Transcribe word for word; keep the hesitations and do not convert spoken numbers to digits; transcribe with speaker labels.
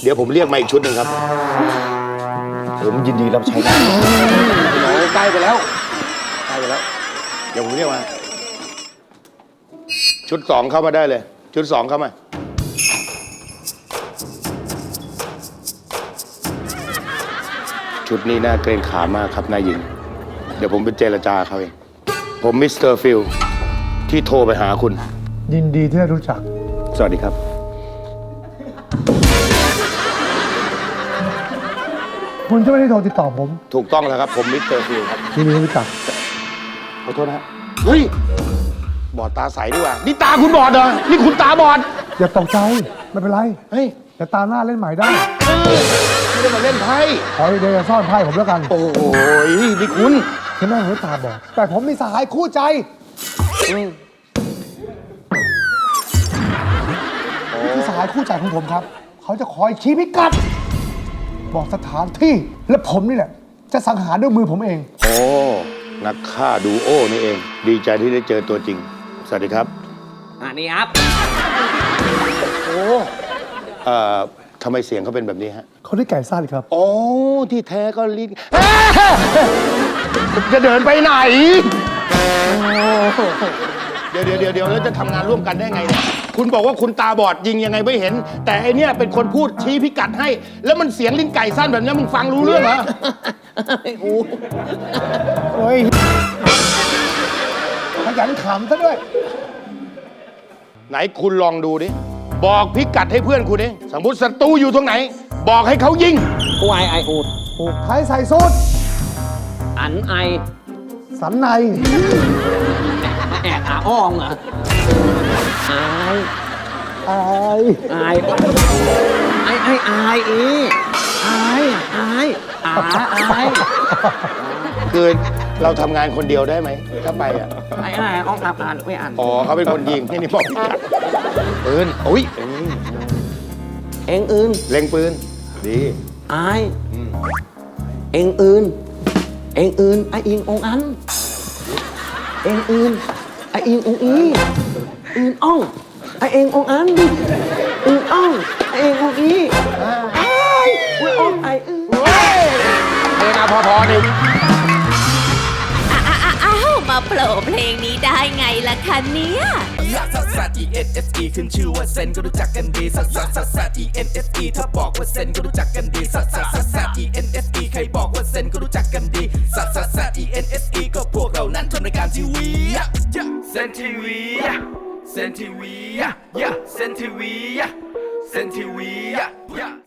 Speaker 1: เดี๋ยวผมเรียกมาอีกชุดหนึ่งครับผมยินดีรับใช้ได้โอ้ใกล้ไปแล้วใกล้ไปแล้วเดี๋ยวผมเรียกมาชุดสองเข้ามาได้เลยชุดสองเข้ามาชุดนี้น่าเกรงขามากครับนายหญิงเดี๋ยวผมไปเจรจาเขาเองผมมิสเตอร์ฟิลที่โทรไปหาคุณ
Speaker 2: ยินดีที่ได้รู้จัก
Speaker 1: สวัสดีครับ
Speaker 2: คุณจะไม่ได้โทรติดต่อผม
Speaker 1: ถูกต้องแล้วครับผมมิสเตอร์ฟิลครับ
Speaker 2: ยินดีที่รู้จัก
Speaker 1: ขอโทษนะเฮ้ยบอดตาใสดีกว่านี่ตาคุณบอดเหรอนี่คุณตาบอด
Speaker 2: อย่าตกใจไม่เป็นไร
Speaker 1: เฮ้ย
Speaker 2: แต่ตาหน้าเล่นใหม่ได้
Speaker 1: ไม่ได้มาเล่นไพ่
Speaker 2: ขอเดี๋ยวจะซ่อนไพ่ผมแล้วกัน
Speaker 1: โอ้ยนี่คุณ
Speaker 2: ถึงแม้ผมตาบอดแต่ผมมีสหายคู่ใจนี่คือสหายคู่ใจของผมครับเขาจะคอยชี้พิกัดบอกสถานที่และผมนี่แหละจะสังหารด้วยมือผมเอง
Speaker 1: โอ้นักฆ่าดูโอ้นี่เองดีใจที่ได้เจอตัวจริงสวัสดีครับ
Speaker 3: อันนี้ครับ
Speaker 1: โอ้เอ่อทำไมเสียงเขาเป็นแบบนี้ฮะ
Speaker 2: เขาได้ไก่ซ่าเลยครับ
Speaker 1: โอ้ที่แท้ก็ลิ้นจะเดินไปไหนเดี๋ยวเดี๋ยวเดี๋ยวเดี๋ยวแล้วจะทำงานร่วมกันได้ไงเนี่ยคุณบอกว่าคุณตาบอดยิงยังไงไม่เห็นแต่ไอเนี้ยเป็นคนพูดชี้พิกัดให้แล้วมันเสียงลิ้นไก่สั้นแบบนี้มึงฟังรู้เรื่องเหรอ
Speaker 3: ไอ้กู
Speaker 2: โอ้ยขยันขำซะด้วย
Speaker 1: ไหนคุณลองดูดิบอกพิกัดให้เพื่อนคุณเองสมมติศัตรูอยู่ตรงไหนบอกให้เขายิง
Speaker 3: กูไอไออูด
Speaker 2: ผูกไทยใส่สูท
Speaker 3: อันไอ
Speaker 2: สันใน
Speaker 3: แอบอาอ้องเหรอไอ
Speaker 2: ไอ
Speaker 3: ไอไอไอไออีไอไออาไอ
Speaker 1: คือเราทำงานคนเดียวได้ไหมถ้าไปอ่ะ
Speaker 3: ไอไออ้องอ่านอ่านไม่อ่าน
Speaker 1: อ๋อเขาเป็นคนยิงที่นี่บอกพิกัดปืนอุ้ย
Speaker 3: เอ็งอื่น
Speaker 1: เล็งปืนดี
Speaker 3: ไอเอ็งอื่นเอ็งอื่นไออิงองอันเอ็งอื่นไออิงองอีอื่นอ่องไอเอ็งองอันอื่นอ่องไอเอ็งองอีไออุ้ยอ่องไออื่น
Speaker 1: เพลงอะพอพอหนึ่ง
Speaker 4: อ้าวมาโผล่เพลงนี้ได้ไงล่ะคะเนี่ย
Speaker 5: ซัสซัส E N S E ขึ้นชื่อว่าเซนก็รู้จักกันดีซัสซัสซัสซัส E N S E ถ้าบอกว่าเซนก็รู้จักกันดีซัสซัสซัสซัส E N S E ใครบอกว่าเซนก็รู้จักกันดีซัสซัสซัส E N S E ก็พวกเรานั้นทำรายการทีวีเซนทีวีเซนทีวีเซนทีวีเซนทีวี